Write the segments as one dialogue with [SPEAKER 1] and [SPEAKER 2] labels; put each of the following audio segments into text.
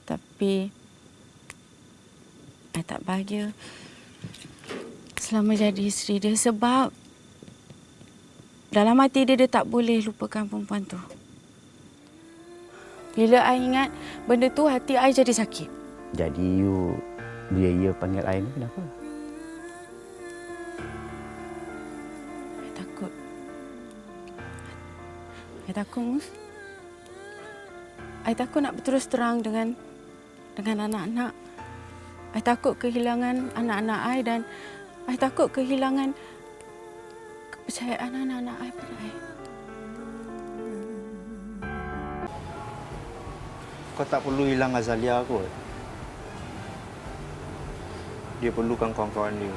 [SPEAKER 1] Tapi I tak bahagia selama jadi isteri dia sebab dalam hati dia tak boleh lupakan perempuan tu. Bila I ingat benda tu, hati I jadi sakit.
[SPEAKER 2] Jadi dia panggil I ni kenapa?
[SPEAKER 1] I takut. I takut, Mus. I takut nak berterus terang dengan anak-anak. I takut kehilangan anak-anak I dan I takut kehilangan kepercayaan anak-anak I pada I.
[SPEAKER 3] Kau tak perlu hilang Azalia kot. Dia perlukan kawan-kawan dia.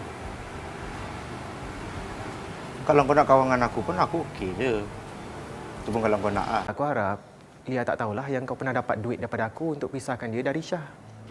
[SPEAKER 3] Kalau kau nak kawan dengan aku pun aku okey je. Itu pun kalau kau nak.
[SPEAKER 4] Aku harap Lia tak tahulah yang kau pernah dapat duit daripada aku untuk pisahkan dia dari Syah.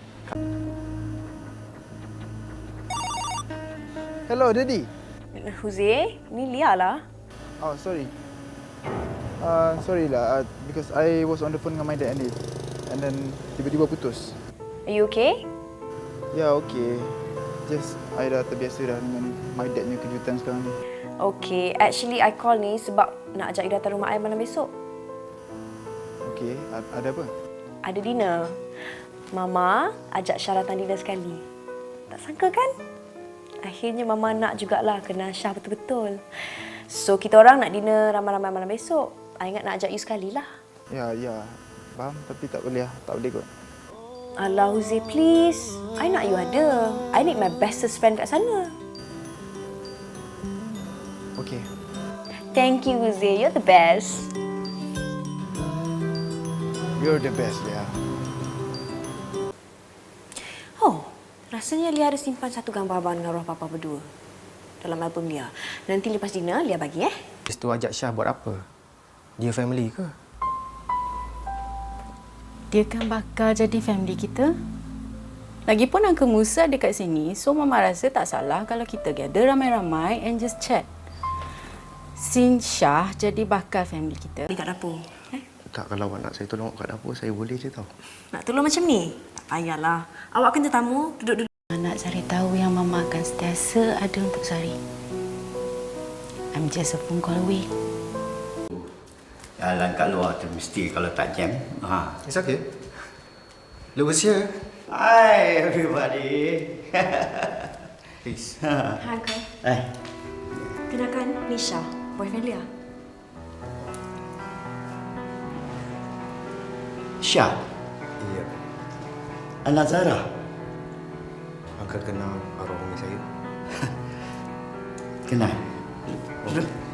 [SPEAKER 5] Hello, Daddy.
[SPEAKER 6] Jose, ni Lia lah.
[SPEAKER 5] Oh, sorry. Sorry lah, because I was on the phone dengan my dad and then tiba-tiba putus.
[SPEAKER 6] Are you okay?
[SPEAKER 5] Ya, okay. Just, I dah terbiasa dah dengan my dad punya kejutan sekarang ni.
[SPEAKER 6] Okay, actually I call ni sebab nak ajak you datang rumah I malam besok.
[SPEAKER 5] Okay, ada apa?
[SPEAKER 6] Ada dinner. Mama ajak Syah datang dinner sekali. Tak sangka kan? Akhirnya Mama nak jugalah kenal Syah betul-betul. So, kita orang nak dinner ramai-ramai malam besok. I ingat nak ajak you sekali lah.
[SPEAKER 5] Ya. Faham, tapi tak boleh lah. Tak boleh kot.
[SPEAKER 6] Alah, Jose, please. I nak you ada. I need my bestest friend kat sana.
[SPEAKER 5] Okay.
[SPEAKER 6] Thank you, Jose. You're the best.
[SPEAKER 5] You're the best, Lia.
[SPEAKER 6] Oh, rasanya Lia ada simpan satu gambar abang dengan roh papa berdua dalam album Lia. Nanti lepas dinner, Lia bagi
[SPEAKER 4] Lepas tu ajak Syah buat apa? Dia family ke?
[SPEAKER 1] Dia kan bakal jadi family kita. Lagipun Uncle Musa dekat sini, so Mama rasa tak salah kalau kita gather ramai-ramai and just chat. Since Syah jadi bakal family kita.
[SPEAKER 6] Dekat dapur.
[SPEAKER 3] Tak, kalau awak nak saya tolong kat dapur, saya boleh je tau.
[SPEAKER 6] Nak tolong macam ni? Tak payahlah. Awak kan tetamu, duduk-duduk.
[SPEAKER 1] Nak Sari tahu yang Mama akan sentiasa ada untuk Sari. I'm just a phone call away.
[SPEAKER 2] Jalan kat luar tu mesti kalau tak jam.
[SPEAKER 4] It's okay. Look who's here.
[SPEAKER 2] Hi everybody.
[SPEAKER 4] Please.
[SPEAKER 6] Hai, Uncle. Kenalkan, Nisha, boyfriend Lia.
[SPEAKER 2] Syah,
[SPEAKER 4] Ya.
[SPEAKER 2] anak Zara.
[SPEAKER 4] Uncle kenal arwah umi saya.
[SPEAKER 2] Kenal.
[SPEAKER 4] Oh.